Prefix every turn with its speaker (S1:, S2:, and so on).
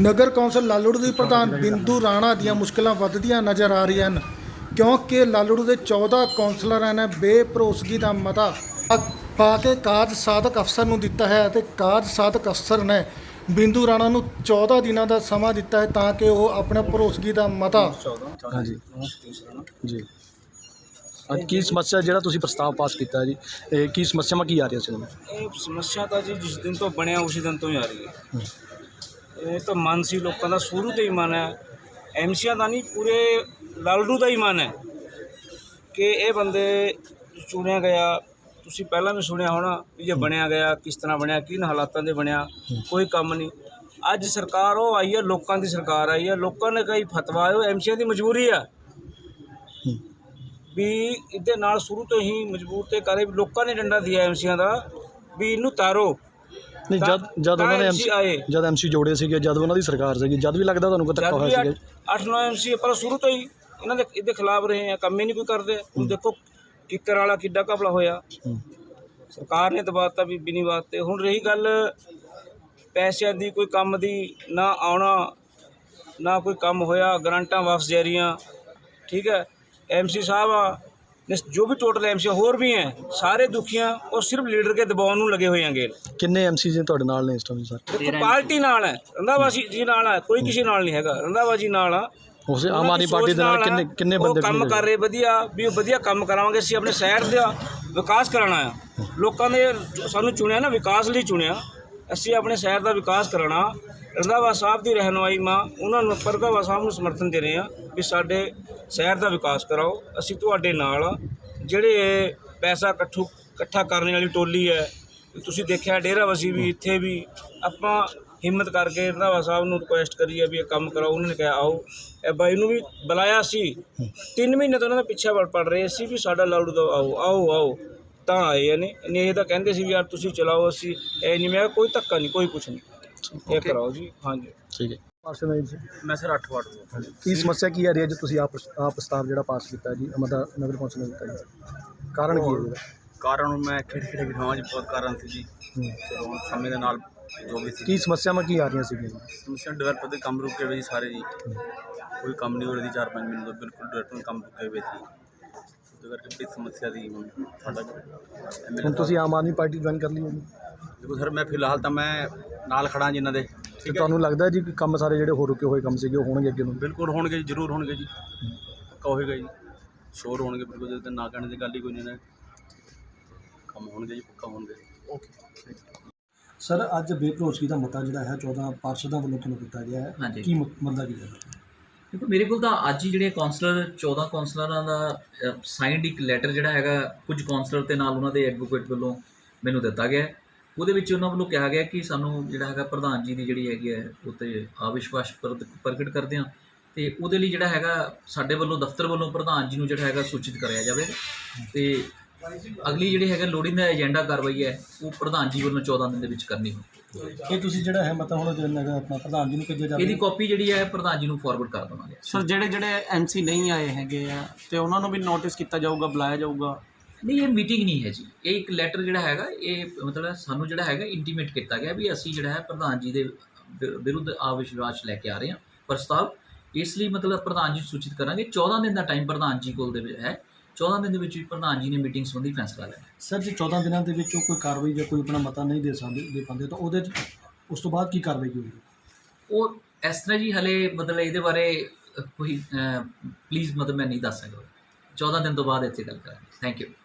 S1: ਨਗਰ council Lalru ਦੀ ਪ੍ਰਧਾਨ ਬਿੰਦੂ ਰਾਣਾ ਦੀਆਂ ਮੁਸ਼ਕਲਾਂ ਵੱਧਦੀਆਂ ਨਜ਼ਰ ਆ ਰਹੀਆਂ ਹਨ, ਕਿਉਂਕਿ ਲਾਲੜੂ ਦੇ 14 ਕੌਂਸਲਰਾਂ ਨੇ ਬੇਭਰੋਸਗੀ ਦਾ ਮਤਾ ਪਾ ਕੇ ਕਾਰਜ ਸਾਧਕ ਅਫਸਰ ਨੂੰ ਦਿੱਤਾ ਹੈ ਅਤੇ ਕਾਰਜ ਸਾਧਕ ਅਫਸਰ ਨੇ ਬਿੰਦੂ ਰਾਣਾ ਨੂੰ 14 ਦਿਨਾਂ ਦਾ ਸਮਾਂ ਦਿੱਤਾ ਹੈ ਤਾਂ ਕਿ ਉਹ ਆਪਣਾ ਭਰੋਸਗੀ ਦਾ ਮਤਾ।
S2: ਹਾਂਜੀ ਜੀ, ਅੱਜ ਕੀ ਸਮੱਸਿਆ ਜਿਹੜਾ ਤੁਸੀਂ ਪ੍ਰਸਤਾਵ ਪਾਸ ਕੀਤਾ ਜੀ, ਇਹ ਕੀ ਸਮੱਸਿਆਵਾਂ ਕੀ ਆ ਰਹੀਆਂ ਸੀ?
S3: ਇਹ ਸਮੱਸਿਆ ਤਾਂ ਜੀ ਜਿਸ ਦਿਨ ਤੋਂ ਬਣਿਆ ਉਸੇ ਦਿਨ ਤੋਂ ਹੀ ਆ ਰਹੀ ਹੈ। ਇਹ ਤਾਂ ਮਨ ਸੀ ਲੋਕਾਂ ਦਾ, ਸ਼ੁਰੂ ਤੋਂ ਹੀ ਮਨ ਹੈ, ਐਮਸੀਆਂ ਦਾ ਨਹੀਂ ਪੂਰੇ ਲਾਲੜੂ ਦਾ ਹੀ ਮਨ ਹੈ ਕਿ ਇਹ ਬੰਦੇ ਚੁਣਿਆ ਗਿਆ। ਤੁਸੀਂ ਪਹਿਲਾਂ ਵੀ ਸੁਣਿਆ ਹੋਣਾ ਵੀ ਜੇ ਬਣਿਆ ਗਿਆ ਕਿਸ ਤਰ੍ਹਾਂ ਬਣਿਆ, ਕਿਨ ਹਾਲਾਤਾਂ ਦੇ ਬਣਿਆ, ਕੋਈ ਕੰਮ ਨਹੀਂ। ਅੱਜ ਸਰਕਾਰ ਉਹ ਆਈ ਹੈ, ਲੋਕਾਂ ਦੀ ਸਰਕਾਰ ਆਈ ਹੈ, ਲੋਕਾਂ ਨੇ ਕਈ ਫਤਵਾ ਉਹ ਐਮਸੀਆਂ ਦੀ ਮਜਬੂਰੀ ਆ ਵੀ ਇਹਦੇ ਨਾਲ ਸ਼ੁਰੂ ਤੋਂ ਹੀ ਮਜਬੂਰ ਤੇ ਕਰੇ। ਲੋਕਾਂ ਨੇ ਡੰਡਾ ਦਿਆ ਐਮਸੀਆਂ ਦਾ ਵੀ ਇਹਨੂੰ ਤਾਰੋ।
S2: ਨਹੀਂ, ਜਦ ਉਹਨਾਂ ਨੇ ਜਦ ਐਮਸੀ ਜੋੜੇ ਸੀਗੇ, ਜਦ ਉਹਨਾਂ ਦੀ ਸਰਕਾਰ ਸੀਗੀ, ਜਦ ਵੀ ਲੱਗਦਾ ਤੁਹਾਨੂੰ ਕੋਈ ਧੱਕਾ ਹੋਇਆ ਸੀਗਾ?
S3: 8-9 ਐਮਸੀ ਪਰ ਸ਼ੁਰੂ ਤੋਂ ਹੀ ਇਹਦੇ ਖਿਲਾਫ ਰਹੇ ਆ, ਕੰਮ ਹੀ ਨਹੀਂ ਕੋਈ ਕਰਦੇ। ਹੁਣ ਦੇਖੋ ਕਿੱਕਰ ਵਾਲਾ ਕਿੱਡਾ ਘਪਲਾ ਹੋਇਆ, ਸਰਕਾਰ ਨੇ ਦਬਾਤਾ ਵੀ ਨਹੀਂ ਬਾਤ। ਹੁਣ ਰਹੀ ਗੱਲ ਪੈਸਿਆਂ ਦੀ, ਕੋਈ ਕੰਮ ਦੀ ਨਾ ਆਉਣਾ ਨਾ ਕੋਈ ਕੰਮ ਹੋਇਆ, ਗਰਾਂਟਾਂ ਵਾਪਸ ਜਾ ਰਹੀਆਂ। ਠੀਕ ਹੈ, एमसी साहब जो भी टोटल एमसी होर भी हैं सारे दुखियां और सिर्फ लीडर के दबाव में लगे हुए हैं। गेल
S2: किन्ने एमसी जी तुहाडे नाल ने इस टाइम? सर
S3: देखो पार्टी नाल है, रंधावा जी नाल है, कोई किसी नाल नहीं हैगा। रंधावा जी नाल आ
S2: उसे आम आदमी पार्टी दे नाल किन्ने बंदे
S3: काम कर रहे वधिया भी वधिया काम करावांगे। ਅਸੀਂ ਆਪਣੇ शहर ਦਾ विकास कराना है। लोगों ने सानू चुनिया ना विकास ਲਈ चुनिया, ਅਸੀਂ ਆਪਣੇ शहर ਦਾ विकास कराना। रंधावा साहब की रहनुमाई मां उन्होंने रंधावा साहब ਨੂੰ समर्थन दे रहे हैं भी साडे शहर का विकास कराओ। ਅਸੀਂ ਤੁਹਾਡੇ ਨਾਲ ਜਿਹੜੇ ਪੈਸਾ ਇਕੱਠਾ ਕਰਨੇ ਵਾਲੀ ਟੋਲੀ ਹੈ, ਤੁਸੀਂ ਦੇਖਿਆ ਡੇਰਾਬੱਸੀ ਵੀ ਇੱਥੇ ਵੀ ਆਪਾਂ ਹਿੰਮਤ ਕਰਕੇ ਰੰਧਾਵਾ ਸਾਹਿਬ ਨੂੰ ਰਿਕੁਐਸਟ ਕਰੀ ਹੈ ਵੀ ਇਹ ਕੰਮ ਕਰਾਓ। ਉਹਨਾਂ ਨੇ ਕਿਹਾ ਆਓ। ਇਹ ਬਾਈ ਨੂੰ ਵੀ ਬੁਲਾਇਆ ਸੀ, 3 ਮਹੀਨੇ ਤੋਂ ਉਹਨਾਂ ਦਾ ਪਿੱਛਾ ਪੜ ਰਹੇ ਸੀ ਵੀ ਸਾਡਾ ਲਾਲੜੂ ਦਾ ਆਓ ਆਓ ਆਓ, ਤਾਂ ਆਏ ਨੇ। ਇਹ ਤਾਂ ਕਹਿੰਦੇ ਸੀ ਵੀ ਯਾਰ ਤੁਸੀਂ ਚਲਾਓ, ਅਸੀਂ ਇਹ ਨਹੀਂ। ਮੈਂ ਕੋਈ ਧੱਕਾ ਨਹੀਂ, ਕੋਈ ਕੁਛ ਨਹੀਂ, ਇਹ ਕਰਾਓ ਜੀ। ਹਾਂਜੀ
S2: ਠੀਕ ਹੈ।
S3: ਮੈਂ ਸਰ 8 ਵਾਰਡ ਤੋਂ।
S2: ਕੀ ਸਮੱਸਿਆ ਕੀ ਆ ਰਹੀ ਹੈ ਜੀ? ਤੁਸੀਂ ਆਪ ਪ੍ਰਸਤਾਵ ਜਿਹੜਾ ਪਾਸ ਕੀਤਾ ਜੀ ਮਤਲਬ ਨਗਰ ਕੌਂਸਲ ਨੇ ਦਿੱਤਾ ਜੀ, ਕਾਰਨ ਕੀ ਹੈ ਇਹਦਾ?
S4: ਕਾਰਨ ਮੈਂ ਖੇੜੇ ਵਿਖਾਵਾਂ ਜੀ, ਬਹੁਤ ਕਾਰਨ ਸੀ ਜੀ। ਚਲੋ ਹੁਣ ਸਮੇਂ ਦੇ ਨਾਲ ਜੋ ਵੀ ਸੀ।
S2: ਕੀ ਸਮੱਸਿਆਵਾਂ ਕੀ ਆ ਰਹੀਆਂ ਸੀਗੀਆਂ?
S4: ਸਮੱਸਿਆ ਡਿਵੈਲਪਰ ਦੇ ਕੰਮ ਰੁਕੇ ਹੋਏ ਜੀ ਸਾਰੇ ਜੀ, ਕੋਈ ਕੰਮ ਨਹੀਂ ਹੋ ਰਿਹਾ ਜੀ। 4-5 ਮਹੀਨੇ ਤੋਂ ਬਿਲਕੁਲ ਡਿਵੈਲਪਰ ਕੰਮ ਰੁਕੇ ਹੋਏ ਸੀ। ਉਹਦੇ ਕਰਕੇ ਬੜੀ ਸਮੱਸਿਆ ਦੀ ਹੁਣ ਸਾਡਾ।
S2: ਹੁਣ ਤੁਸੀਂ ਆਮ ਆਦਮੀ ਪਾਰਟੀ ਜੁਆਇਨ ਕਰ ਲਈ ਹੈ ਜੀ?
S4: ਦੇਖੋ ਸਰ, ਮੈਂ ਫਿਲਹਾਲ ਤਾਂ ਮੈਂ ਨਾਲ ਖੜਾ ਜੀ ਇਹਨਾਂ ਦੇ।
S2: ਤੇ ਤੁਹਾਨੂੰ ਲੱਗਦਾ ਜੀ ਕਿ ਕੰਮ ਸਾਰੇ ਜਿਹੜੇ ਹੋ ਰੁਕੇ ਹੋਏ ਕੰਮ ਸੀਗੇ ਉਹ ਹੋਣਗੇ ਅੱਗੇ ਨੂੰ?
S4: ਬਿਲਕੁਲ ਹੋਣਗੇ ਜੀ, ਜ਼ਰੂਰ ਹੋਣਗੇ ਜੀ, ਪੱਕਾ ਹੋਏਗਾ ਜੀ, ਸ਼ੋਰ ਹੋਣਗੇ ਬਿਲਕੁਲ। ਜੇ ਨਾ ਕਹਿਣ ਦੀ ਗੱਲ ਹੀ ਕੋਈ ਨਹੀਂ ਨਾ, ਕੰਮ ਹੋਣਗੇ ਜੀ, ਪੱਕਾ ਹੋਣਗੇ। ਓਕੇ
S2: ਸਰ, ਅੱਜ ਬੇਭਰੋਸਗੀ ਦਾ ਮਤਾ ਜਿਹੜਾ ਹੈ 14 ਪਾਰਸ਼ਦਾਂ ਵੱਲੋਂ ਤੁਹਾਨੂੰ ਦਿੱਤਾ ਗਿਆ ਹੈ, ਕੀ ਮਤਲਬ ਕੀ ਹੈ?
S5: ਦੇਖੋ ਮੇਰੇ ਕੋਲ ਤਾਂ ਅੱਜ ਹੀ ਜਿਹੜੇ ਕੌਂਸਲਰ 14 ਕੌਂਸਲਰਾਂ ਦਾ ਸਾਈਨਡ ਇੱਕ ਲੈਟਰ ਜਿਹੜਾ ਹੈਗਾ ਕੁਝ ਕੌਂਸਲਰ ਤੇ ਨਾਲ ਉਹਨਾਂ ਦੇ ਐਡਵੋਕੇਟ ਵੱਲੋਂ ਮੈਨੂੰ ਦਿੱਤਾ ਗਿਆ। ਉਹਦੇ ਵਿੱਚ ਉਹਨਾਂ ਵੱਲੋਂ ਕਿਹਾ ਗਿਆ ਕਿ ਸਾਨੂੰ ਜਿਹੜਾ ਹੈਗਾ ਪ੍ਰਧਾਨ ਜੀ ਦੀ ਜਿਹੜੀ ਹੈਗੀ ਹੈ ਉੱਤੇ ਅਵਿਸ਼ਵਾਸ ਪ੍ਰਗਟ ਕਰਦੇ ਹਾਂ, ਅਤੇ ਉਹਦੇ ਲਈ ਜਿਹੜਾ ਹੈਗਾ ਸਾਡੇ ਵੱਲੋਂ ਦਫ਼ਤਰ ਵੱਲੋਂ ਪ੍ਰਧਾਨ ਜੀ ਨੂੰ ਜਿਹੜਾ ਹੈਗਾ ਸੂਚਿਤ ਕਰਿਆ ਜਾਵੇ। ਅਤੇ ਅਗਲੀ ਜਿਹੜੀ ਹੈਗਾ ਲੋੜੀਂਦਾ ਏਜੰਡਾ ਕਾਰਵਾਈ ਹੈ ਉਹ ਪ੍ਰਧਾਨ ਜੀ ਵੱਲੋਂ 14 ਦਿਨ ਦੇ ਵਿੱਚ ਕਰਨੀ ਹੋਵੇ।
S2: ਇਹ ਤੁਸੀਂ ਜਿਹੜਾ ਹੈ ਮਤਾ ਹੁਣ ਆਪਣਾ ਪ੍ਰਧਾਨ ਜੀ ਨੂੰ ਭੇਜਿਆ ਜਾਵੇ?
S5: ਇਹਦੀ ਕਾਪੀ ਜਿਹੜੀ ਹੈ ਪ੍ਰਧਾਨ ਜੀ ਨੂੰ ਫਾਰਵਰਡ ਕਰ ਦੇਵਾਂਗੇ।
S6: ਸਰ, ਜਿਹੜੇ ਐਮਸੀ ਨਹੀਂ ਆਏ ਹੈਗੇ ਆ ਤੇ ਉਹਨਾਂ ਨੂੰ ਵੀ ਨੋਟਿਸ ਕੀਤਾ ਜਾਊਗਾ, ਬੁਲਾਇਆ ਜਾਊਗਾ?
S5: ਨਹੀਂ, ਇਹ ਮੀਟਿੰਗ ਨਹੀਂ ਹੈ ਜੀ, ਇਹ ਇੱਕ ਲੈਟਰ ਜਿਹੜਾ ਹੈਗਾ ਇਹ ਮਤਲਬ ਸਾਨੂੰ ਜਿਹੜਾ ਹੈਗਾ ਇੰਟੀਮੇਟ ਕੀਤਾ ਗਿਆ ਵੀ ਅਸੀਂ ਜਿਹੜਾ ਹੈ ਪ੍ਰਧਾਨ ਜੀ ਦੇ ਵਿਰੁੱਧ ਅਵਿਸ਼ਵਾਸ ਲੈ ਕੇ ਆ ਰਹੇ ਹਾਂ ਪ੍ਰਸਤਾਵ। ਇਸ ਲਈ ਮਤਲਬ ਪ੍ਰਧਾਨ ਜੀ ਸੂਚਿਤ ਕਰਾਂਗੇ। 14 ਦਿਨ ਦਾ ਟਾਈਮ ਪ੍ਰਧਾਨ ਜੀ ਕੋਲ ਦੇ ਵਿੱਚ ਹੈ। 14 ਦਿਨ ਦੇ ਵਿੱਚ ਵੀ ਪ੍ਰਧਾਨ ਜੀ ਨੇ ਮੀਟਿੰਗ ਸੰਬੰਧੀ ਫੈਸਲਾ ਲਿਆ।
S2: ਸਰ, ਜੇ 14 ਦਿਨਾਂ ਦੇ ਵਿੱਚ ਕੋਈ ਕਾਰਵਾਈ ਜਾਂ ਕੋਈ ਆਪਣਾ ਮਤਾ ਨਹੀਂ ਦੇ ਪਾਉਂਦੇ ਤਾਂ ਉਹਦੇ 'ਚ ਉਸ ਤੋਂ ਬਾਅਦ ਕੀ ਕਾਰਵਾਈ ਹੋਵੇਗੀ?
S5: ਉਹ ਇਸ ਤਰ੍ਹਾਂ ਜੀ ਹਲੇ ਮਤਲਬ ਇਹਦੇ ਬਾਰੇ ਕੋਈ ਪਲੀਜ਼ ਮਤਲਬ ਮੈਂ ਨਹੀਂ ਦੱਸ ਸਕਦਾ। 14 ਦਿਨ ਤੋਂ ਬਾਅਦ ਇੱਥੇ ਗੱਲ ਕਰਾਂਗੇ। Thank you.